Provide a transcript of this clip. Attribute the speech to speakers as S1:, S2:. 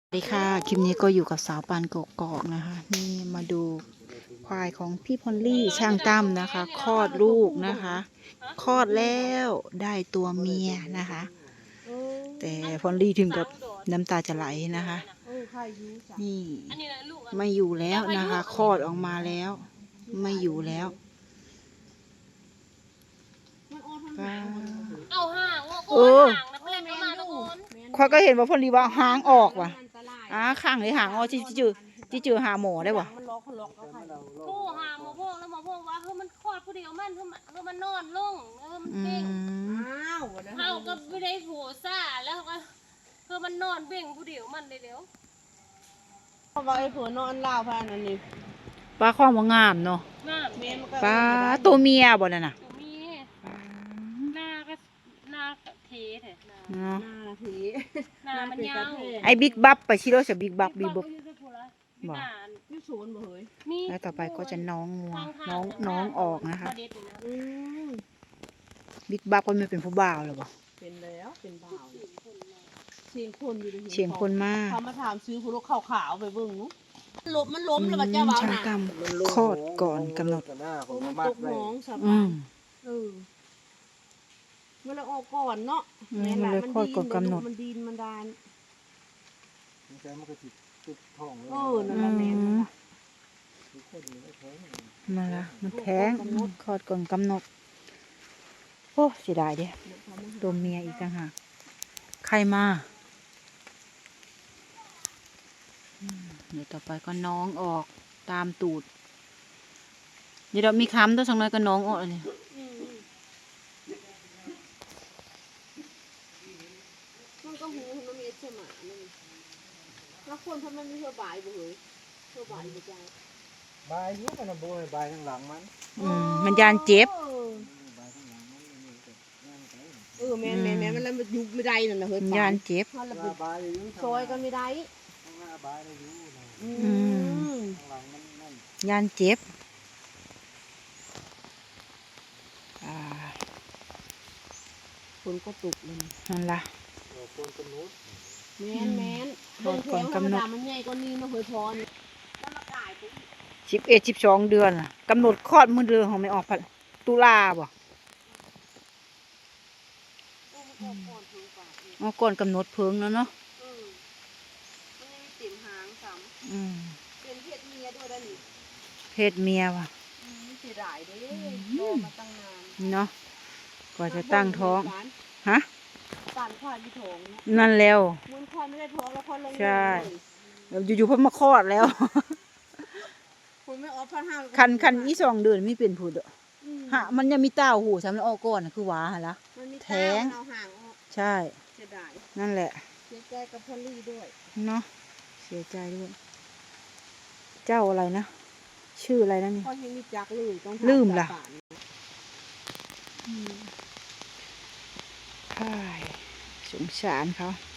S1: สวัสดีค่ะคลิปนี้ก็อยู่กับสาวปานกกอกนะคะนี่มาดูควายของพี่พอลลี่ช่างตั้มนะคะคลอดลูกนะคะคลอดแล้วได้ตัวเมียนะคะแต่พอลลี่ถึงกับน้ำตาจะไหลนะคะนี่ไม่อยู่แล้วนะคะคลอดออกมาแล้วไม่อยู่แล้ว
S2: เอาห่างว่าโกนห่างนะเพื่อนมาตะโกน
S1: ข้อยก็เห็นว่าพอลลี่ว่าหางออกว่ะข้างเลยหางออกจิจือหาหมอได้บ่
S2: โทรหาหมอพวกแล้วหมอพวกว่ามันคลอดผู้เดียวมันนอนลงมันเบ่งเขาก็ไม่ได้โผซ่าแล้วก็มันนอนเบ่งผู้เดียวมันเดี๋ยว
S3: เพราะว่าไอ้ผัวนอนเล่าพานั่นนี่
S1: ปลาข้อมงามเนาะปลาตัวเมียบ่นั่นน่ะ
S2: มีหน้าเทเถอะหน้ามันยาว
S1: ไอ้บิ๊กบัฟไปชิโร่จะบิ๊กบัฟบิ๊กบัฟ
S2: บอก
S3: นี่ศูนย์บ่เฮ้ย
S1: แล้วต่อไปก็จะน้องงัวน้องออกนะคะบิ๊กบัฟก็ไม่เป็นผู้บ่าวหรอบ่
S3: เป็นแล้วเป็นบ่าวเสียงคนอยู่
S1: เสียงคนมาก
S3: เขามาถามซื้อผู้ลูกขาวๆไปเบิ่งนู้มันล้มแล้วมันจะเบาหนัก
S1: คลอดก่อนกำหนด
S3: มันตกน้องสบายเมื่อเราออกก่อนเนาะ
S1: แม่ละมันดี
S3: มันดีมันดาน
S4: มันก็ติดท้องเลย
S3: นั่นแหละแม่
S1: มาละมันแท้งคลอดก่อนกำหนดโอ้เสียดายเด้ตัวเมียอีกต่างหากใครมาเดี๋ยวต่อไปก็น้องออกตามตูดเดี๋ยวเรามีค้ำตัวสักหน่อยก็น้องออกเลย
S3: มันก็หูมันมีเสมาแล้วคนทำมันมีเท่าบ่ายบ่เฮ้ยเท่าบ่ายบ่ใจ
S4: บายยุบมันโบยบายข้างหลัง
S1: มันยานเจ็บ
S3: แม่มันแล้วมันยุบไม่ได้นั่นนะเฮ้ย
S1: ยานเจ็บ
S3: ซอยก็ไม่ได้
S1: ยานเจ็บ
S3: คนก็ตุกเลย
S1: นั่นล่ะ
S3: แม่น
S1: ก่อนกำหนด
S3: มันใหญ่กว่านี้นะเฮ้ยพร
S1: 11-12 เดือนกำหนดคลอดมื้อเดือนของไม่ออกตุลาบ่ก่อนกำหนดเพิ่งแล้วเนาะ
S3: มันยังมีติ่มหางซ้ำเป็นเพศเมียด้วยด้านนี้
S1: เพศเมียว่ะ
S3: เสียดายเด้รอมาตั้งนาน
S1: เนาะกว่าจะตั้งท้องฮะ
S3: ป่านควายมีท้อง
S1: นั่นแล้ว
S3: มันควายไม่ได้ท้องแล้วควายลง
S1: ใช่อยู่ๆเพิ่งมาคลอดแล้ว
S3: คุณไม่ออกพันห้า
S1: คันอี2 เดือนไม่เป็นผู้เด้อฮะมันยังมีเต้าหูสำหรับออกก่อนคือหวาหั่นล่ะ
S3: แท้ง
S1: ใช่นั่นแหละ
S3: เสียใจกับพอลลี่ด้วย
S1: เนาะเสียใจด้วยเจ้าอะไรนะชื่ออะไรนะนี่ลืมล่ะสงสารเขา